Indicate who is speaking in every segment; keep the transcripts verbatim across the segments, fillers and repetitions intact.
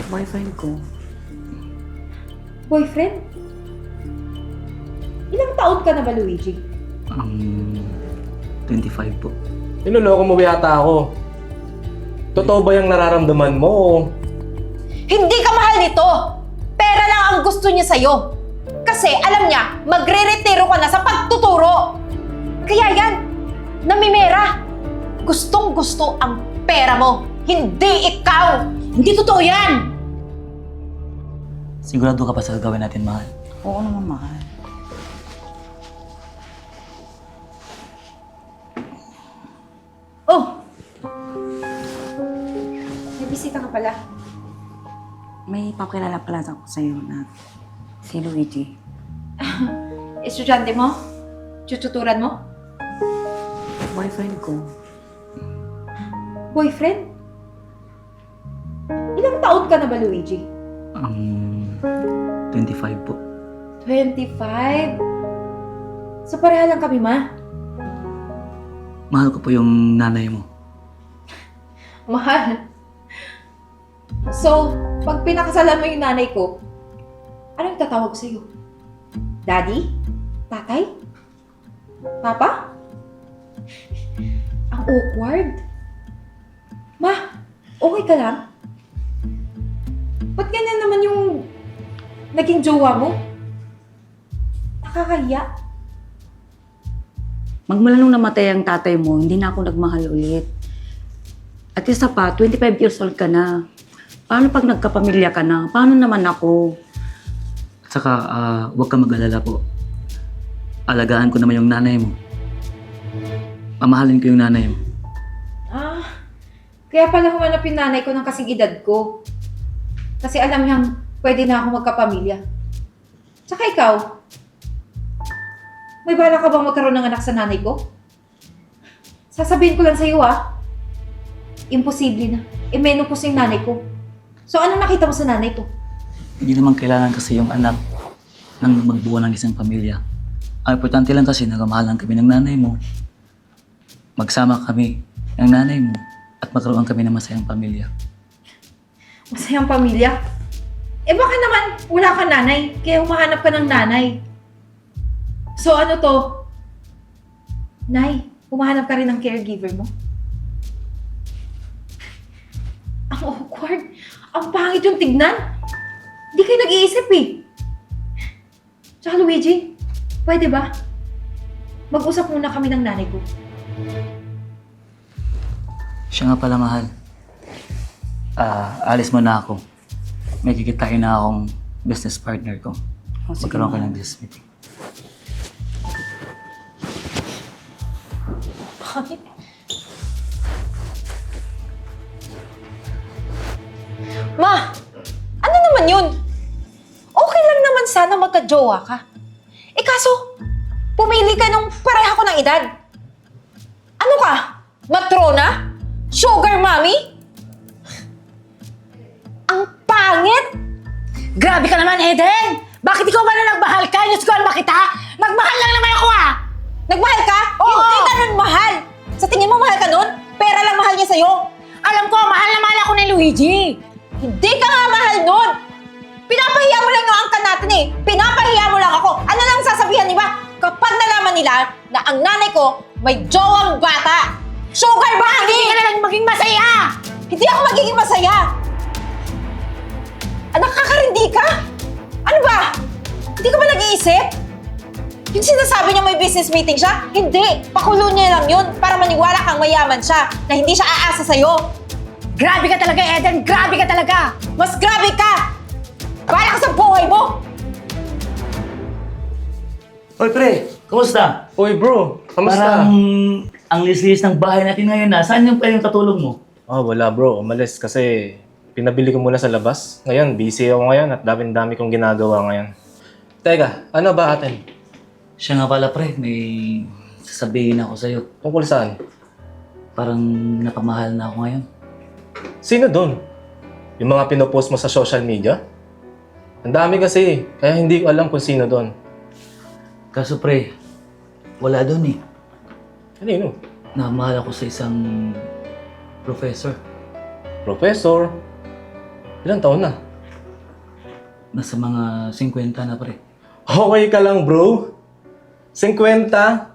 Speaker 1: Boyfriend ko.
Speaker 2: Boyfriend? Ilang taon ka na ba, Luigi?
Speaker 1: Ang twenty-five po.
Speaker 3: Niloloko mo yata ako. Totoo ba yung nararamdaman mo?
Speaker 2: Hindi ka mahal nito! Pera lang ang gusto niya sa'yo. Kasi alam niya, magre-retiro ka na sa pagtuturo. Kaya yan, namimera. Gustong gusto ang pera mo, hindi ikaw! Hindi totoo yan!
Speaker 1: Sigurado ka pa sa gagawin natin, mahal?
Speaker 4: Oo naman, mahal.
Speaker 2: Oh! May bisita ka pala.
Speaker 4: May papakilala pala ako sa'yo na si Luigi.
Speaker 2: Estudyante mo? Tututuran mo?
Speaker 1: Boyfriend ko.
Speaker 2: Boyfriend? Ilang taon ka na ba, Luigi?
Speaker 1: Ang twenty-five po.
Speaker 2: twenty-five? So pareha lang kami, ma?
Speaker 1: Mahal ko po yung nanay mo.
Speaker 2: Mahal. So, pag pinakasalan mo yung nanay ko, anong tatawag sa'yo? Daddy? Tatay? Papa? Ang awkward. Ma, okay ka lang? Ba't ganyan naman yung naging jowa mo? Nakakahiya.
Speaker 4: Magmula nung namatay ang tatay mo, hindi na ako nagmahal ulit. At isa pa, twenty-five years old ka na. Paano pag nagkapamilya ka na? Paano naman ako?
Speaker 1: At saka, ah, huwag ka mag-alala po. Alagaan ko naman yung nanay mo. Mamahalin ko yung nanay mo.
Speaker 2: Ah, kaya pala humanap yung nanay ko ng kasing edad ko. Kasi alam niyang pwede na ako magkapamilya. Tsaka ikaw, may bala ka bang magkaroon ng anak sa nanay ko? Sasabihin ko lang sa'yo ah, imposible na. I-menopause yung nanay ko. So ano nakita mo sa nanay ko?
Speaker 1: Hindi naman kailangan kasi yung anak ng magbuo ng isang pamilya. Ang importante lang kasi nagmamahalan kami ng nanay mo. Magsama kami ng nanay mo at magkaroon kami ng masayang pamilya.
Speaker 2: Masayang pamilya? Eh baka naman wala kang nanay, kaya humahanap ka ng nanay. So ano to? Nay, humahanap ka rin ng caregiver mo? Ang awkward. Ang pangit yung tignan. Hindi kayo nag-iisip eh. Tsaka Luigi, pwede ba? Mag-usap muna kami ng nanay ko.
Speaker 1: Siya nga pala, mahal. Ah, alis mo na ako. May kikitain na akong business partner ko.
Speaker 4: Oh, sige,
Speaker 1: Magkaroon ka
Speaker 4: mahal.
Speaker 1: ng business meeting.
Speaker 2: Bakit? Ma! Ano naman yun? Okay lang naman sana magka-jowa ka. Eh kaso, pumili ka nung pareha ko ng edad. Ano ka? Matrona? Sugar mommy? Ang pangit!
Speaker 5: Grabe ka naman, Eden! Bakit ikaw ba na nagmahal ka? Diyos ko, ba kita? Nagmahal lang naman ako, ah!
Speaker 2: Nagmahal ka?
Speaker 5: Oo!
Speaker 2: Hindi ka nun mahal! Sa tingin mo mahal ka nun? Pera lang mahal niya sa'yo.
Speaker 5: Alam ko, mahal na mahal ako ni Luigi!
Speaker 2: Hindi ka nga mahal nun! Pinapahiya mo lang yung angkan natin eh! Pinapahiya mo lang ako! Ano lang sasabihan niba? Kapag nalaman nila na ang nanay ko may jowang bata! Sugar
Speaker 5: Bakit hindi
Speaker 2: mommy!
Speaker 5: ka na lang maging masaya?
Speaker 2: Hindi ako magiging masaya! Ah, nakakarindi ka? Ano ba? Hindi ka ba nag-iisip? Yung sinasabi niya may business meeting siya? Hindi! Pakulo niya lang yun para maniwala kang mayaman siya na hindi siya aasa sa'yo.
Speaker 5: Grabe ka talaga, Eden! Grabe ka talaga!
Speaker 2: Mas grabe ka! Bahala ka sa buhay mo!
Speaker 1: Hoy, pre! Kumusta?
Speaker 3: Uy bro, kamusta?
Speaker 1: Parang ang lis-lis ng bahay natin ngayon na. Saan yung pwedeng katulong mo?
Speaker 3: Oh, wala bro. Umalis kasi pinabili ko muna sa labas. Ngayon, busy ako ngayon at daming-dami kong ginagawa ngayon. Teka, ano ba atin?
Speaker 1: Siya nga pala, pre. May sasabihin ako sa'yo.
Speaker 3: Tungkol saan?
Speaker 1: Parang napamahal na ako ngayon.
Speaker 3: Sino doon? Yung mga pinopost mo sa social media? Ang dami kasi, kaya hindi ko alam kung sino doon.
Speaker 1: Kaso, pre, wala doon eh.
Speaker 3: Ano yun?
Speaker 1: Namahal ako sa isang professor.
Speaker 3: Professor? Ilang taon na?
Speaker 1: Nasa mga fifty na pre.
Speaker 3: Okay ka lang, bro? fifty?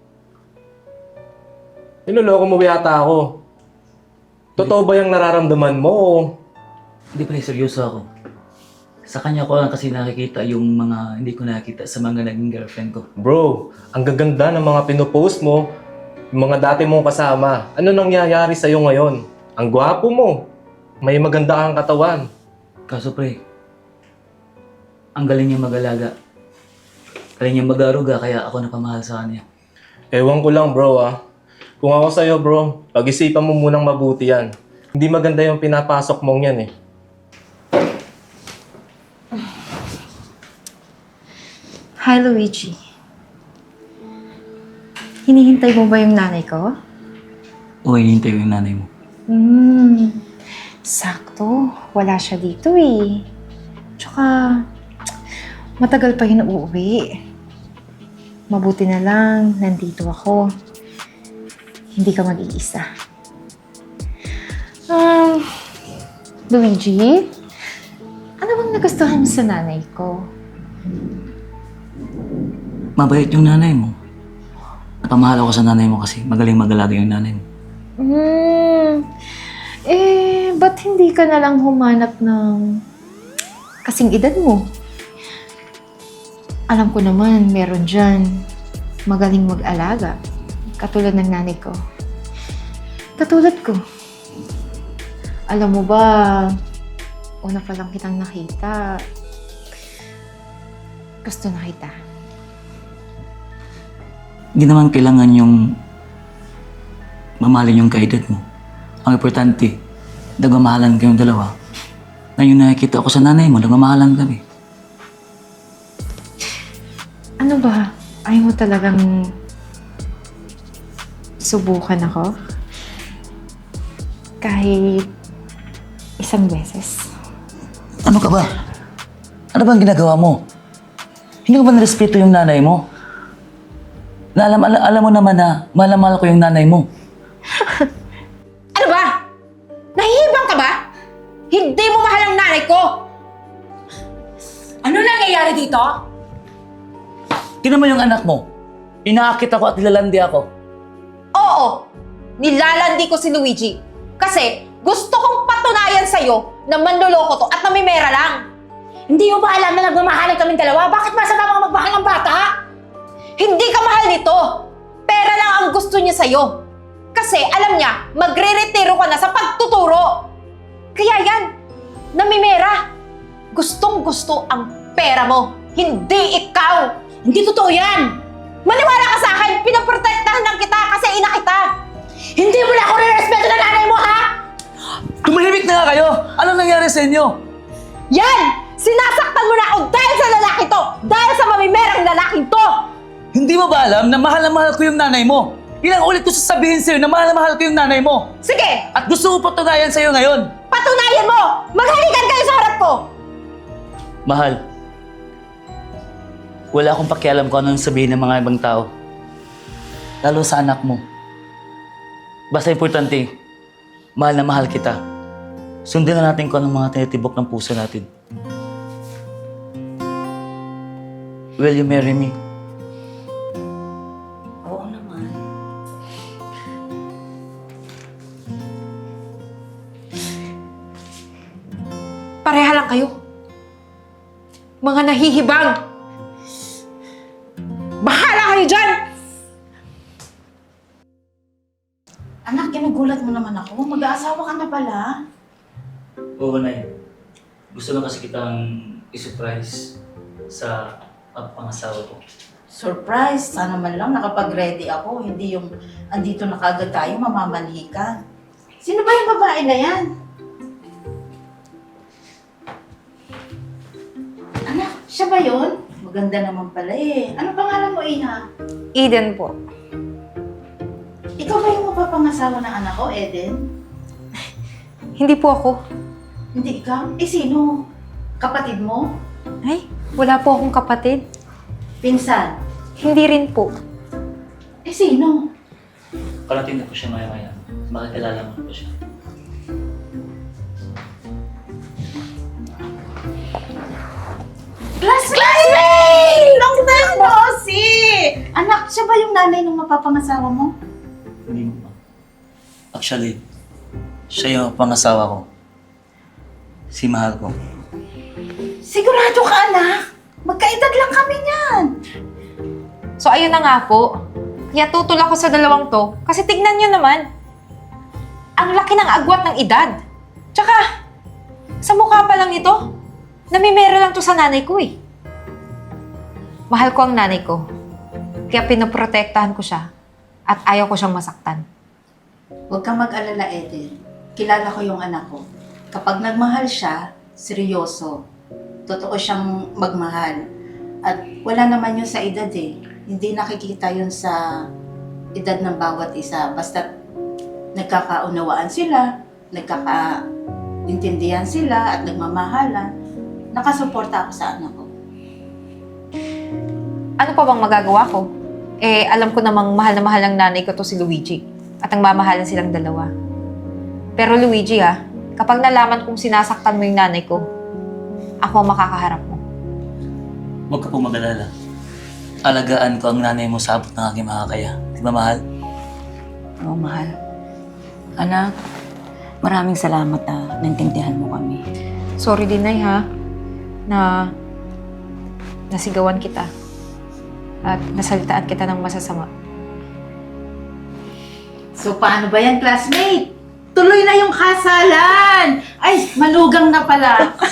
Speaker 3: Niloloko mo yata ako. Totoo ba yung nararamdaman mo? o
Speaker 1: Hindi pre, seryoso ako. Sa kanya ko lang kasi nakikita yung mga hindi ko nakikita sa mga naging girlfriend ko.
Speaker 3: Bro, ang gaganda ng mga pinopost mo, yung mga dati mong kasama. Ano nangyayari sa'yo ngayon? Ang gwapo mo. May maganda kang katawan.
Speaker 1: Kaso pre, ang galing niya mag-alaga. Galing niya mag-aruga, kaya ako napamahal sa kanya.
Speaker 3: Ewan ko lang, bro, ah. Kung ako sa'yo, bro, pag-isipan mo munang mabuti yan. Hindi maganda yung pinapasok mong yan, eh.
Speaker 2: Hi, Luigi. Hinihintay mo ba yung nanay ko?
Speaker 1: O, hinihintay ko yung nanay mo.
Speaker 2: Hmm, sakto. Wala siya dito eh. Tsaka, matagal pa yun uuwi. Mabuti na lang, nandito ako. Hindi ka mag-iisa. Um, Luigi, ano bang nagustuhan mo sa nanay ko?
Speaker 1: Mabait yung nanay mo. Napamahal ako sa nanay mo kasi magaling mag-alaga yung nanay mo.
Speaker 2: Hmm, eh, ba't hindi ka na lang humanap ng kasing edad mo? Alam ko naman, meron dyan magaling mag-alaga. Katulad ng nanay ko. Katulad ko. Alam mo ba, una pa lang kitang nakita, gusto na kita.
Speaker 1: Hindi naman kailangan yung mamahalin yung kaedad mo. Ang importante, nagmamahalan kayong dalawa. Ngayon nakikita ako sa nanay mo, nagmamahalan kami.
Speaker 2: Ano ba? Ayaw mo talagang subukan ako? Kahit isang beses.
Speaker 1: Ano ka ba? Ano bang ginagawa mo? Hindi ko ba narespeto yung nanay mo? Na alam, alam, alam mo naman na mahal na mahal ko yung nanay mo.
Speaker 2: Ano ba? Nahihibang ka ba? Hindi mo mahal ang nanay ko!
Speaker 5: Ano nangyayari dito?
Speaker 1: Tingnan mo yung anak mo. Inaakit ako at nilalandi ako.
Speaker 2: Oo! Nilalandi ko si Luigi. Kasi gusto kong patunayan sa'yo na manloloko to at namimera lang.
Speaker 5: Hindi mo ba alam na nagmamahalan kaming dalawa? Bakit masama mga magmahal ng bata?
Speaker 2: Hindi ka mahal nito. Pera lang ang gusto niya sa'yo. Kasi alam niya, magre-retiro ka na sa pagtuturo. Kaya yan, namimera. Gustong gusto ang pera mo, hindi ikaw.
Speaker 5: Hindi totoo yan!
Speaker 2: Maniwala ka sa akin, pinaprotektahan lang kita kasi ina kita.
Speaker 5: Hindi mo na ako nirespeto ng nanay mo, ha?
Speaker 1: Tumahimik na nga kayo! Anong nangyari sa inyo?
Speaker 2: Yan! Sinasaktan mo na ako dahil sa lalaki to! Dahil sa mamimerang lalaking to!
Speaker 1: Hindi mo ba alam na mahal na mahal ko yung nanay mo? Ilang ulit ko sasabihin sa'yo na mahal na mahal ko yung nanay mo.
Speaker 2: Sige,
Speaker 1: At gusto ko patunayan sa'yo ngayon.
Speaker 2: patunayan mo! Maghalikan kayo sa harap ko!
Speaker 1: Mahal, wala akong pakialam kung anong sabihin ng mga ibang tao. Lalo sa anak mo. Basta importante, mahal na mahal kita. Sundin na natin kung anong mga tinitibok ng puso natin. Will you marry me?
Speaker 4: Oo naman.
Speaker 2: Pareha lang kayo. Mga nahihibang. Bahala kayo dyan!
Speaker 4: Anak, ginugulat mo naman ako. Mag-aasawa ka na pala.
Speaker 1: Oo, Nay. Gusto lang kasi kitang i-surprise sa pagpangasawa ko.
Speaker 6: Surprise! Sana man lang nakapag-ready ako. Hindi yung andito na kagad tayo, mamamanhi ka. Sino ba yung babae na yan? Anak, siya ba yun? Maganda naman pala eh. Ano pangalan mo, Ina?
Speaker 2: Eden po.
Speaker 6: Ikaw ba yung mapapangasawa ng anak ko, Eden?
Speaker 2: Hindi po ako.
Speaker 6: Hindi ikaw? Eh, sino? Kapatid mo?
Speaker 2: Ay, wala po akong kapatid.
Speaker 6: Pinsan?
Speaker 2: Hindi rin po.
Speaker 6: Eh, sino?
Speaker 1: Karating na po siya maya-maya. Makikilala mo na po siya.
Speaker 6: ba yung nanay ng mapapangasawa mo?
Speaker 1: Hindi mo pa. Actually, siya yung pangasawa ko. Si mahal ko.
Speaker 6: Sigurado ka, anak. Magkaedad lang kami niyan.
Speaker 2: So ayun na nga po. Kaya tutol ako sa dalawang to. Kasi tignan nyo naman. Ang laki ng agwat ng edad. Tsaka, sa mukha pa lang ito, namimera lang to sa nanay ko eh. Mahal ko ang nanay ko. Kaya pinoprotektahan ko siya. At ayaw ko siyang masaktan.
Speaker 6: Huwag kang mag-alala, Eden. Kilala ko yung anak ko. Kapag nagmahal siya, seryoso. Totoo siyang magmahal. At wala naman yun sa edad eh. Hindi nakikita yun sa edad ng bawat isa. Basta nagkakaunawaan sila, nagkakaintindihan sila at nagmamahalan. Nakasuporta ako sa anak ko.
Speaker 2: Ano pa bang magagawa ko? Eh, alam ko namang mahal na mahal ang nanay ko to si Luigi. At ang mamahalan silang dalawa. Pero Luigi ha, kapag nalaman kong sinasaktan mo yung nanay ko, ako ang makakaharap mo.
Speaker 1: Huwag ka po mag-alala. Alagaan ko ang nanay mo sa abot ng aking makakaya. Di ba, mahal?
Speaker 4: Oo, mahal. Anak, maraming salamat na naintindihan mo kami.
Speaker 2: Sorry din, Nay, ha? Na nasigawan kita. At nasalitaan kita ng masasama.
Speaker 6: So paano ba yan, classmate? Tuloy na yung kasalan! Ay, malugang na pala.